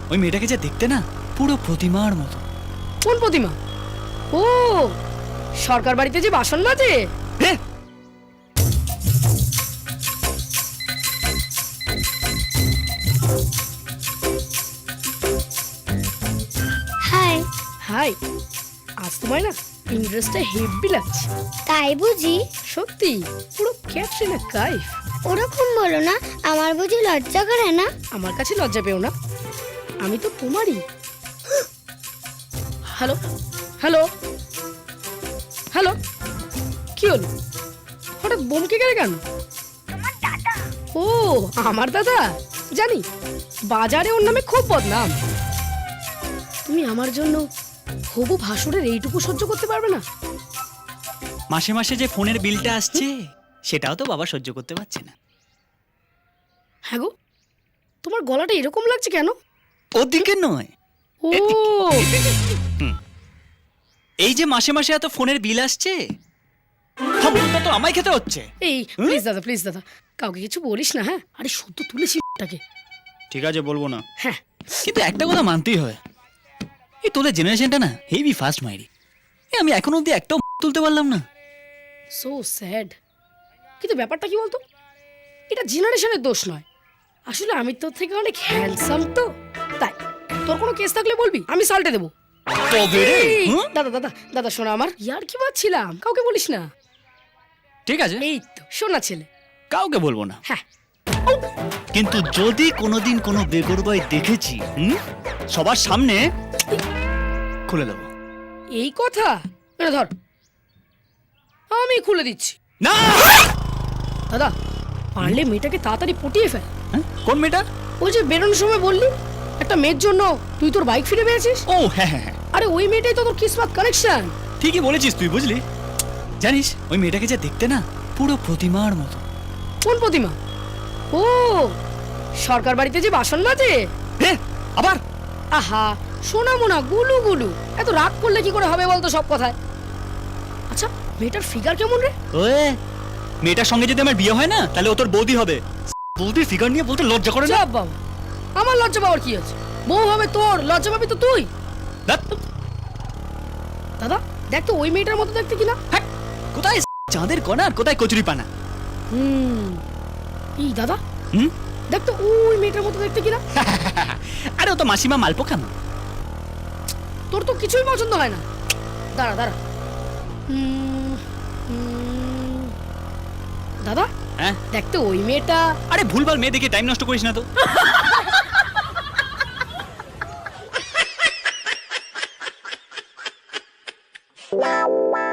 ওই মেয়েটাকে যে দেখতে না পুরো প্রতিমার মতো। কোন প্রতিমা? ও, সরকার বাড়িতে যে বাসন মাজে। হাই। হাই। আজ তোমায় না ইন্টারেস্টটা হেভি লাগছে। তাই বুঝি? সত্যি পুরো ক্যাটরিনা কাইফ। ওরকম বলো না, আমার বুঝি লজ্জা করে না? আমার কাছে লজ্জা পেও না, আমি তো তোমারই। হ্যালো হ্যালো হ্যালো, কি হলো? হঠাৎ বমকে গেলে কেন? ও, আমার দাদা? জানি, বাজারে ওর নামে খুব বদনাম। তুমি আমার জন্য হবু ভাসুরের এইটুকু সহ্য করতে পারবে না? মাসে মাসে যে ফোনের বিলটা আসছে সেটাও তো বাবা সহ্য করতে পারছে না। হ্যাঁ গো, তোমার গলাটা এরকম লাগছে কেন? ওদিকে নয়, ও, এই যে মাসে মাসে এত ফোনের বিল আসছে সবটা তো আমায় খেতে হচ্ছে। এই প্লিজ দাদা, প্লিজ দাদা, কাউকে কিছু বলিস না। হ্যাঁ, আরে সত্য তুলেছি টাকে। ঠিক আছে, বলবো না। হ্যাঁ, কিন্তু একটা কথা মানতেই হয়, এই তোদের জেনারেশনটা না হেভি ফাস্ট মাইরি। আমি এখন অব্দি একটাও তুলতে পারলাম না। So sad. কিন্তু ব্যাপারটা কি বলতো, এটা জেনারেশনের দোষ নয়, আসলে আমি তোর থেকে অনেক হ্যান্ডসাম তো তাই। তোর কোনো কেস থাকলে বলবি, আমি সাল্টে দেবো। তবে রে, এই, হুম? দাদা দাদা দাদা শোনা, আমার ইয়ার কি মারছিলাম, কাউকে বলিস না। ঠিক আছে, এই তো শোনা ছেলে। কাউকে বলবো না। হ্যাঁ, কিন্তু যদি কোনোদিন কোনো বেগরবাই দেখেছি, সবার সামনে খুলে দেবো। এই কথা এটা ধর, আমি খুলে দিচ্ছি। না, দাদা পারলে মেয়েটাকে তাড়াতাড়ি পটিয়ে ফেল। হ্যাঁ? কোন মেয়েটা? ওই যে বেরোনোর সময় বললি একটা মেয়ের জন্য তুই তোর বাইক ফিরে পেয়েছিস। ও হ্যাঁ হ্যাঁ হ্যাঁ, আরে ওই মেয়েটাই তো তোর কিসমত কানেকশন। ঠিকই বলেছিস তুই, বুঝলি? জানিস ওই মেয়েটাকে যে দেখতে না পুরো প্রতিমার মতো। কোন প্রতিমা? ও, সরকার বাড়িতে যে বাসন মাজে। আবার আহা, সোনা মোনা গুলু গুলু, এত রাগ করলে কি করে হবে বলতো সব কথায়। আচ্ছা, মেয়েটার ফিগার কেমন রে? ওয়ে, মেয়েটার সঙ্গে যদি আমার বিয়ে হয় না তাহলে ও তোর বৌদি হবে। বৌদির ফিগার নিয়ে বলতে লজ্জা করে না? যাব বাবা, আমার লজ্জা পাওয়ার কি আছে? বউ হবে তোর, লজ্জা পাবি তো তুই। ধ্যাৎ, দাদা দেখ তো ওই মেয়েটার মতো দেখতে কিনা। হ্যাঁ, কোথায় চাঁদের কণা আর কোথায় কচুরি পানা। এই দাদা হুম? দেখ তো ওই মেয়েটার মতো দেখতে কিনা। আরে ও তো মাসিমা মালপো খানো। তোর তো কিছুই পছন্দ হয় না। দাঁড়া দাঁড়া, দাদা হ্যাঁ, দেখ তো ওই মেয়েটা। আরে ভুলভাল মেয়ে দেখে টাইম নষ্ট করিস না তো।